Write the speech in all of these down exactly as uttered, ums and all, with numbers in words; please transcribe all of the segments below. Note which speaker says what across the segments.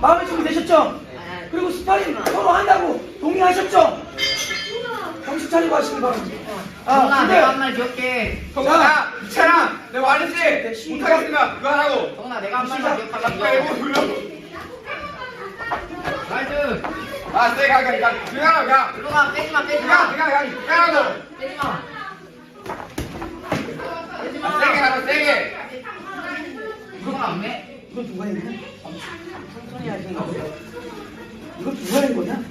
Speaker 1: 마음의 준비 되셨죠? 그리고 스파링 서로 한다고 동의하셨죠? 정신 차리고 하시기 바랍니다. 아,
Speaker 2: 동아
Speaker 1: 근데
Speaker 2: 내가 한 말 기억해.
Speaker 3: 동아, 이찬아, 내가 말했지? 못하겠으니까 그거 하라고.
Speaker 2: 동아 내가 한 말만 기억하면
Speaker 3: 빼고
Speaker 2: 이겨.
Speaker 3: 불러.
Speaker 2: 나이스.
Speaker 3: 아, 쎄, 가, 가, 가. 그거 하라고, 가.
Speaker 2: 들어가 빼지마
Speaker 3: 가,
Speaker 2: 빼지마
Speaker 3: 가, 가, 가라고.
Speaker 2: 빼지마.
Speaker 3: 아, 세게 하라, 세게.
Speaker 2: 동아 안 매?
Speaker 1: 이건 누가 했냐? 천천히 하시는 거. 이건 누가 한 거냐?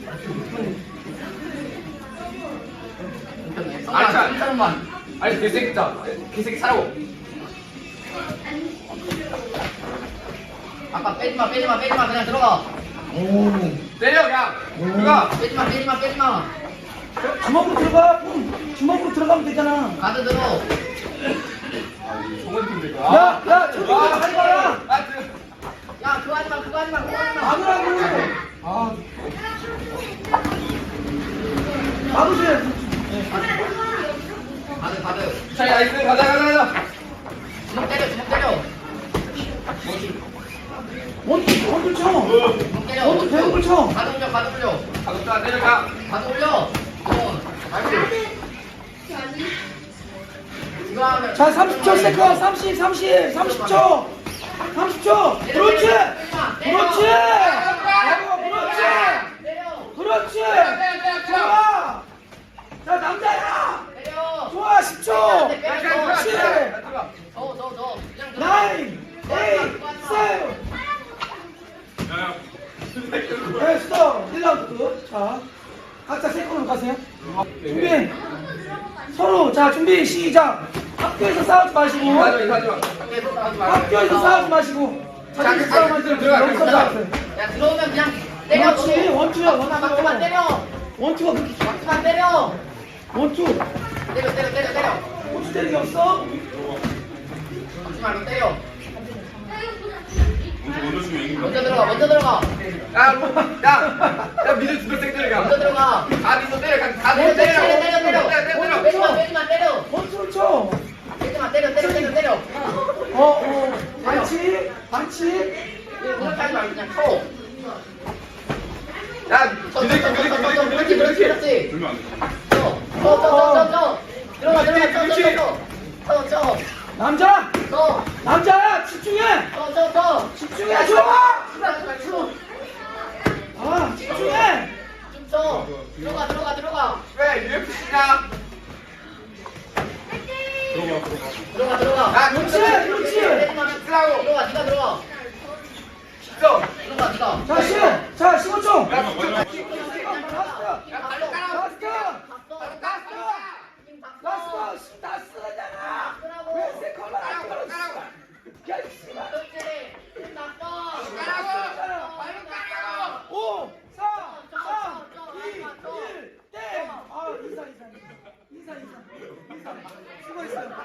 Speaker 2: 동아 한 사람만.
Speaker 3: 아니, 개새끼 진짜. 개새끼 사라고.
Speaker 2: 아까 빼지마 빼지마 빼지마 그냥 들어가.
Speaker 1: 오.
Speaker 3: 때려, 그냥. 그거.
Speaker 2: 빼지마 빼지마 빼지마.
Speaker 1: 주먹으로 들어가. 응. 주먹으로 들어가면 되잖아.
Speaker 2: 가드 들어.
Speaker 3: 정원 팀들 거.
Speaker 1: 야, 야, 저쪽으로 잘 가라.
Speaker 3: 아, 그.
Speaker 2: 야 그거 하지마 그거 하지마 그거 하지마.
Speaker 1: 막으라고. 아. 막으세요.
Speaker 2: 가드 가드.
Speaker 3: 자, 나이스. 가자, 가자, 가자.
Speaker 2: 주먹 때려 주먹 때려.
Speaker 1: 원투, 원투 쳐.
Speaker 2: 주먹 때려.
Speaker 1: 원투 대목을 쳐.
Speaker 2: 가드 올려 가드 올려.
Speaker 3: 가볍다, 때려가.
Speaker 2: 가드 올려. 어. 나이스. 이거 하면.
Speaker 1: 자, 삼십 초 세컨. 삼십, 삼십, 삼십 초. 삼십 초. 그렇지. 그렇지. 아이고, 그렇지.
Speaker 2: 때려.
Speaker 1: 그렇지. 좋아. 자, 남자야.
Speaker 2: 때려.
Speaker 1: 좋아, 십 초.
Speaker 2: 그렇지.
Speaker 3: 들어가.
Speaker 2: 저, 저, 저. 그냥 들어가.
Speaker 1: 나인, 에잇, 세븐. 네, 스톱. 일 라운드 끝. 자, 각자 세컨으로 가세요. 준비. 서로, 자, 준비, 시작. 학교에서 싸우지 마시고.
Speaker 3: 이거 하지 마, 이거 하지 마.
Speaker 1: 학교에서 싸우지 마시고. 자기 싸움 하지
Speaker 3: 들어가,
Speaker 1: 말고 여기서
Speaker 3: 들어가.
Speaker 1: 싸우세요.
Speaker 2: 야, 들어오면 그냥 때려.
Speaker 1: 그렇지, 원투야,
Speaker 2: 막만
Speaker 1: 원투.
Speaker 2: 때려.
Speaker 1: 원투가 그렇게
Speaker 2: 막만 때려.
Speaker 1: 원투.
Speaker 2: 때려, 때려, 때려, 때려.
Speaker 1: 원투 때리기 없어?
Speaker 2: 막지 말고 때려. 먼저 들어가, 먼저 들어가.
Speaker 3: 야, 뭐, 야, 야, 미드 주도 땡 때려,
Speaker 2: 먼저
Speaker 3: 가.
Speaker 2: 들어가.
Speaker 3: 다 미드 때려, 가. 다
Speaker 2: 때려,
Speaker 3: 미드 때려.
Speaker 2: 때려, 때려, 때려.
Speaker 3: 때려, 때려.
Speaker 2: 빼지마, 빼지마, 때려.
Speaker 1: 원투를 쳐.
Speaker 2: 빼지마, 때려, 때려, 때려, 때려.
Speaker 1: 어, 어. 반칙, 반칙.
Speaker 2: 그렇게 하지 말고 그냥 쳐.
Speaker 3: 야,
Speaker 2: 쳐, 쳐,
Speaker 3: 미드,
Speaker 2: 쳐,
Speaker 3: 미드,
Speaker 2: 쳐, 쳐, 쳐.
Speaker 3: 미드,
Speaker 2: 그렇지,
Speaker 3: 미드,
Speaker 2: 그렇지,
Speaker 3: 미드.
Speaker 2: 그렇지. 쳐, 쳐, 쳐, 쳐, 쳐, 쳐. 들어가, 들어가, 쳐, 쳐, 쳐. 쳐, 쳐,
Speaker 1: 남자,
Speaker 2: 쳐.
Speaker 1: 남자야, 집중해.
Speaker 2: 쳐, 쳐, 쳐.
Speaker 1: 집중해, 좋아.
Speaker 2: 쳐.
Speaker 1: 아, 집중해.
Speaker 2: 좀 쳐. 들어가, 들어가, 들어가.
Speaker 3: 왜 유에프씨냐?
Speaker 2: 들어가, 들어가.
Speaker 3: 야,
Speaker 1: 그렇지, 그렇지.
Speaker 2: 빼지마,
Speaker 3: 쓰라고.
Speaker 2: 들어가, 네가 들어가.
Speaker 3: 십점.
Speaker 2: 들어가, 네가.
Speaker 1: 자, 십, 자, 십오 초.
Speaker 3: 야,